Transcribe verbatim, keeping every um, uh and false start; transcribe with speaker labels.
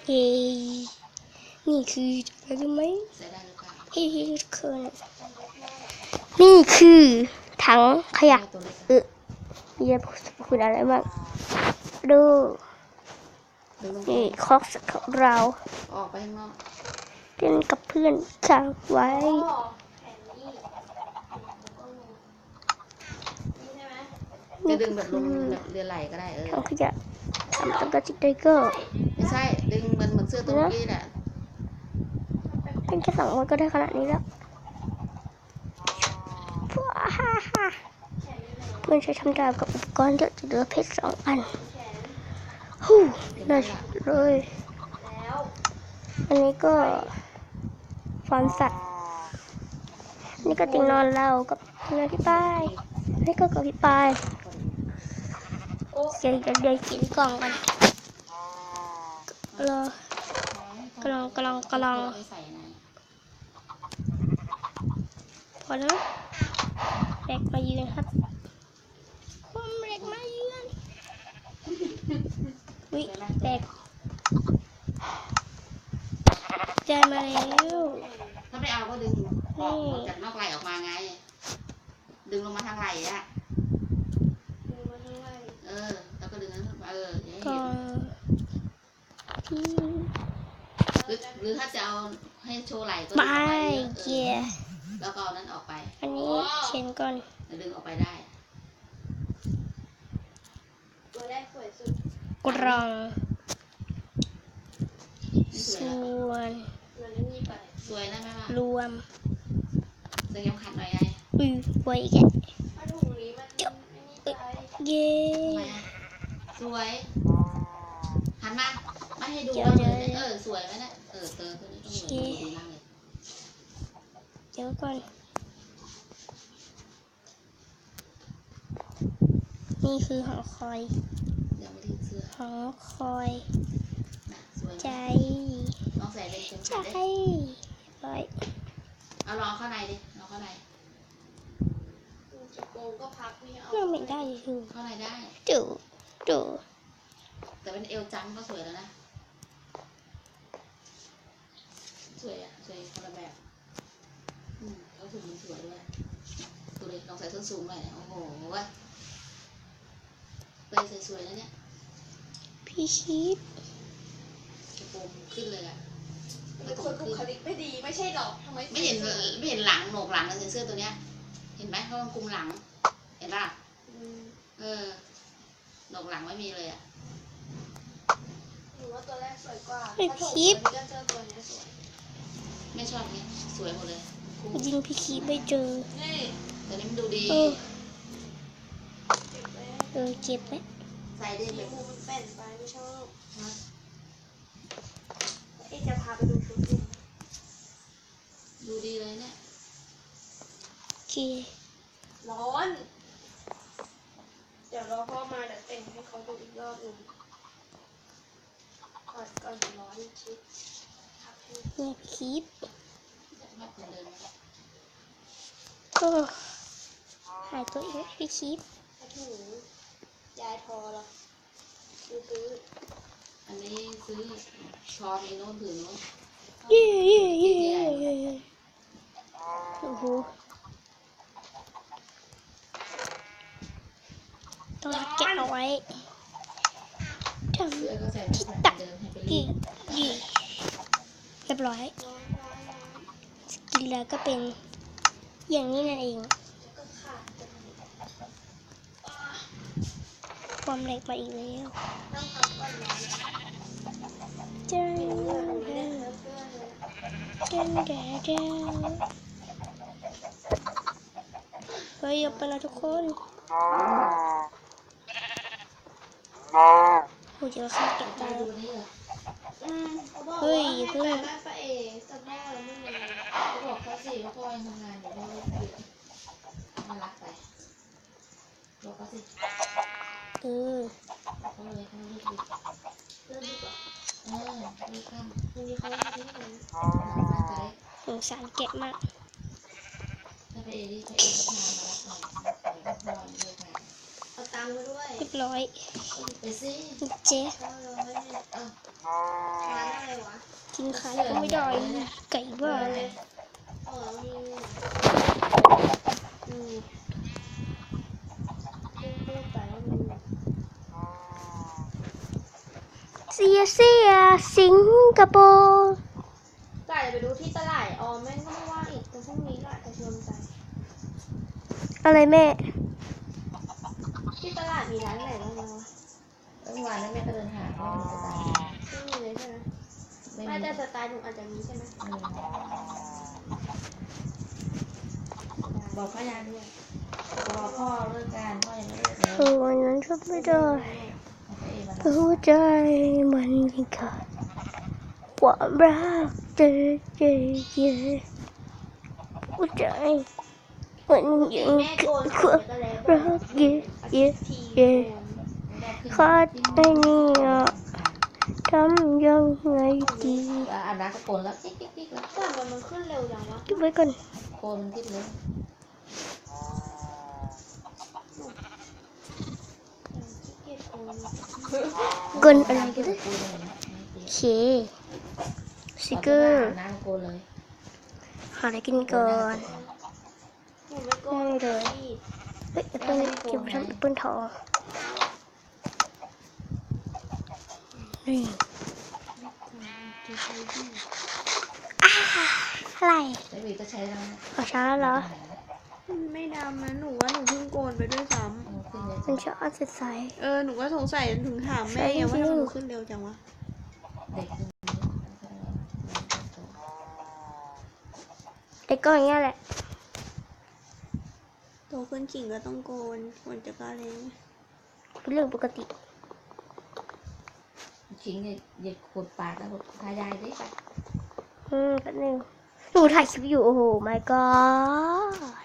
Speaker 1: เย้นี่คืออะไรรู้ไหม
Speaker 2: ใส่ได้หรือเปล่า
Speaker 1: ที่ที่คือนี่คือถังขยะเออมีอะไรพูดอะไรบ้างดูนี่คอกสักของเรา
Speaker 2: ออกไปข้างนอก
Speaker 1: เล่นกับเพื่อนค้างไว้นี่
Speaker 2: จะดึง
Speaker 1: คื
Speaker 2: แบบลง
Speaker 1: อ
Speaker 2: แบบเรือไหลก็ได้เออ
Speaker 1: ถังขยะทำตั้งแต่จิกไดเกอร์
Speaker 2: ไม่ใช่ดึงมันเหมือนเสื้อตัวนี้แหละ
Speaker 1: เป็นแค่สองวันก็ได้ขนาดนี้แล้วว้าฮ่าฮ่าเพื่อนใช้ทำดาบกับอุปกรณ์เยอะจะเหลือเพชรสองอันฮู้ได้เลยอันนี้ก็ฟาร์มสัตว์นี่ก็ติงนอนเรากับเรือพี่ป้ายนี่ก็กับพี่ป้ายเดี๋ยวเดี๋ยวเดี๋ยวกินกล่องกันรอกำลังกำลังกำลังพอแล้วเด็กมายืนครับผมเด็กมายืนวิเด็กใจมาแล้ว
Speaker 2: ถ้าไม่เอาก็ดึงออกจากนอกไหล่ออกมาไงดึงลงมาทางไหล่อะเออแล้วก็ดึงนั้นเอออย่างนี้
Speaker 1: ก็
Speaker 2: หรือหรือถ้าจะเอาให้โชว์ไหล่ก็
Speaker 1: ไม่
Speaker 2: ดึงออกไปเย
Speaker 1: เกีย
Speaker 2: อะ
Speaker 1: ร์
Speaker 2: ๆแล้วก็เอานั้นออกไป
Speaker 1: อันนี้เชนก่อน
Speaker 2: แล้วดึงออกไปได้
Speaker 3: ตัวแรกสวยสุด
Speaker 1: กรอง
Speaker 2: นี่ส
Speaker 1: ส่
Speaker 2: วยแล้ว
Speaker 1: วน
Speaker 3: ตัวนี้มีไป
Speaker 2: สวยนะแม่ว่าร
Speaker 1: วม
Speaker 2: เสื้อเข็มขัดหน่อยไง
Speaker 1: อือไว้แกะ
Speaker 3: ผ้าถุงนี้มันไม่นี่ใจ
Speaker 1: เย้
Speaker 2: ทำไมอะสวยหันมาไม่ให้ดูว่าเลยเออสวยไหมเนี่ยเออเตอตัวนี้ต้องเหมือนดูดีมากเลย
Speaker 1: เดี๋ยวก่อนนี่คือหอคอย
Speaker 2: เดี๋ยวไม่ได้เสื้อ
Speaker 1: หอคอย
Speaker 2: นะสวย
Speaker 1: ใจ
Speaker 2: ลองใส่เป็นเข็ม
Speaker 1: ใจ
Speaker 2: ขัดดิ
Speaker 1: ร้อย
Speaker 2: เอาลองเข้าในดิลองเข้าใน
Speaker 3: กระโปรงก็พับไม่เอา
Speaker 1: เรื่องไม่ได้คือ
Speaker 2: เข้าในได้
Speaker 1: ดูดู
Speaker 2: แต่เป็นเอวจังก็สวยแล้วนะสวยอ่ะสวยคนละแบบอืมเขาถุงมันสวยด้วยดูเลยลองใส่ส้นสูงหน่อยโอ้โหเว้ยเปย์สวยๆแล้วเนี่ย
Speaker 1: พี่ชีพ
Speaker 2: กระโปรงขึ้นเลยอ่ะ
Speaker 3: เป็นคนบุคลิกไม่ดีไม่ใช่หรอทำไม
Speaker 2: ไม่เห็นไม่เห็นหลังโหนกหลังเลยเสื้อตัวเนี้ย เห็นไหมเขาคุมหลัง เห็นป่ะเออโหนกหลังไม่มีเลยอ่ะ
Speaker 3: หนูว่าตัวแรกสวยกว่า
Speaker 1: พี่ชีพ
Speaker 3: ก็เจอตัวนี้สวย
Speaker 2: ไม่ชอบเนี้ยสวยหมดเลยคู่
Speaker 1: ยิงพี่ชีพไม่เจอ
Speaker 3: นี่
Speaker 2: แต่นี้มันดูดี
Speaker 1: เออ
Speaker 3: เก็บไว้
Speaker 1: เออเจ็บไหม
Speaker 2: ใส่ได้
Speaker 3: สี
Speaker 2: แบบ
Speaker 3: มูมันแป่นไปไม่ชอบ
Speaker 2: นะ
Speaker 3: เอ๊ะจะพาไปดูชุดดิ
Speaker 2: ดูดีเลยเนี่ย
Speaker 1: โอเค
Speaker 3: ร้อน เดี๋ยวรอพ่อมาเดี๋ยวแต่งให้เขาดูอีกรอบหนึ่งก่อนก่อนร้อนชิดพับให้
Speaker 1: เนี่ยพี่ชีพ
Speaker 2: ชอบคนเดิน
Speaker 1: ก็หายตัวเองพี่ชีพ
Speaker 3: ผ้าถุงยายทอเหรอซื้อซื้อ
Speaker 2: อันนี้ซื้อช้อนนี้โน้นถือโน้น
Speaker 1: เย้เย้เย้เย้โอ้โหต้องแกะเอาไว้ทำ
Speaker 2: เสื้อก็ใส่ไม่ใส่เดิมให้ไปรี
Speaker 1: ดี
Speaker 2: ด
Speaker 1: ดีเรียบร้อย
Speaker 3: ร้อนร้อนร้อน
Speaker 1: กินแล้วก็เป็นอย่างนี้นั่นเอง
Speaker 3: แล้วก็ขาดจะอ่า
Speaker 1: ความเล็กมาอีกแล้ว
Speaker 3: ต้องพับก่อนร้อน
Speaker 1: เจ้า
Speaker 3: เสื้อ
Speaker 1: เจ้า
Speaker 3: เสื้อเสื้อเลย
Speaker 1: เจ้าเจ้าเจ้าเฮ้ยอย่าไปนะทุกคนโอ้ยเดี๋ยวข้าเก็บตา
Speaker 2: ดูนี่เหรอ
Speaker 3: อืมเขาบอก
Speaker 1: เฮ้
Speaker 3: ว่าย
Speaker 1: อย่า
Speaker 3: ให้
Speaker 1: เพิ่ง
Speaker 3: ไปบ้านป้าเอ๋สัปดาห์ละไม่มี
Speaker 2: เขาบอกเขาสิว่าพ่อยังทำงานอยู่พ่อหยุดมารักไปบอกเขาสิ
Speaker 1: เออ
Speaker 2: เขาเลยเขาเลิกดึก
Speaker 3: เรื่องดีกว่า
Speaker 2: เออเลิกค่ำ
Speaker 3: วันนี้เขาไม่ได้เงิน
Speaker 2: มาใจ
Speaker 1: สงสารแกะมาก
Speaker 2: ถ้าไปเอรี่ไปเอรี่มามารับหน่อยขอพ่อเลิกงาน
Speaker 3: เอาตังค์มาด้วย
Speaker 1: เรียบร้อย
Speaker 2: ไปสิ
Speaker 1: เจ๊
Speaker 3: เก้าร้อยเนี่ย
Speaker 2: เออ
Speaker 3: ร้านอะ
Speaker 1: กินขายก็ไม่ได้ไก่บ้าเลย
Speaker 3: เออมีมีเรื่องเรื่องไปแล้วมี
Speaker 1: เสียเสียสิงคโปร์
Speaker 3: ไก่ไปดูที่ตลาดออมแม่งก็ไม่ว่างอีกแต่พรุ่งนี้ก็อาจจะชวนไป
Speaker 1: อะไรแม่
Speaker 3: ที่ตลาดมีร้านไหนบ้างไหมวะ
Speaker 2: เมื่อวานนั้นแม่ก็เดินหาก็มีสไตล์
Speaker 3: ไม่มีเลยใช่ไหม
Speaker 2: ไม่
Speaker 3: ไม่
Speaker 2: มี
Speaker 3: แต่สไตล์หนูอาจจะมีใช่ไหม
Speaker 2: เออบอกพ่อยาด้วยบอกพ่อเลิกการพ่อยังไม่เลิกเลย
Speaker 1: เออวันนั้นชอบไม่ได้
Speaker 2: เอาไปเองมัน
Speaker 1: หัวใจมันยังขาดความรักเจอเจอเจอหัวใจมันยัง
Speaker 3: แม่โกน
Speaker 1: ขาด
Speaker 3: ก็แล้ว
Speaker 1: รักเยอะเยอะเยอะขาดไอ้นี่อ่ะทำยังไงดี
Speaker 2: อ่ะอาบน้ำก็โกนแล้วติ๊กติ๊กติ๊กแล้ว
Speaker 3: แต่มันมันขึ้นเร็วจังวะ
Speaker 1: เก็บไว้ก่อน
Speaker 2: โกนมันติ๊กเลย
Speaker 3: ขี้เกียจโกน
Speaker 1: เกินอะไรกัน
Speaker 2: โก
Speaker 1: นะ
Speaker 2: นเลยนะ
Speaker 1: โอเคสติกเกอร์
Speaker 2: อาบน้ำโกนเลย
Speaker 1: หาอะไรกินก่อน
Speaker 3: หนูไม่โกน
Speaker 1: ไม่เลย
Speaker 3: พี่
Speaker 1: เฮ้ยแอปเปิ้ลเก็บไปทำแอปเปิ้ลทองนี่อ่าอะไร
Speaker 2: ใช้วีก็ใช้แล้วนะ
Speaker 1: ขอช้าแล้วเหรอ
Speaker 3: มันไม่ดำนะหนูว่าหนูเพิ่งโกนไปด้วยซ้
Speaker 2: เอาขึ้นเลย
Speaker 1: มันช้าใส
Speaker 3: ำเออหนูก็สงสัยถึงถามแม่ไงว่าทำไมหนูขึ้นเร็วจังวะ
Speaker 2: เด็กขึ้น
Speaker 1: ๆแต่ก็อย่างเงี้ยแหละ
Speaker 3: โตขึ้นจริงก็ต้องโกนควรจะกล้าเลยง
Speaker 1: เป็นเรื่องปกติ
Speaker 2: ชิงเนี่ยเหยียดขวดปากแล้วบอกทายายดิไป
Speaker 1: อืมแป๊บนึงหนูถ่ายคลิปอยู่ โอ้โห my god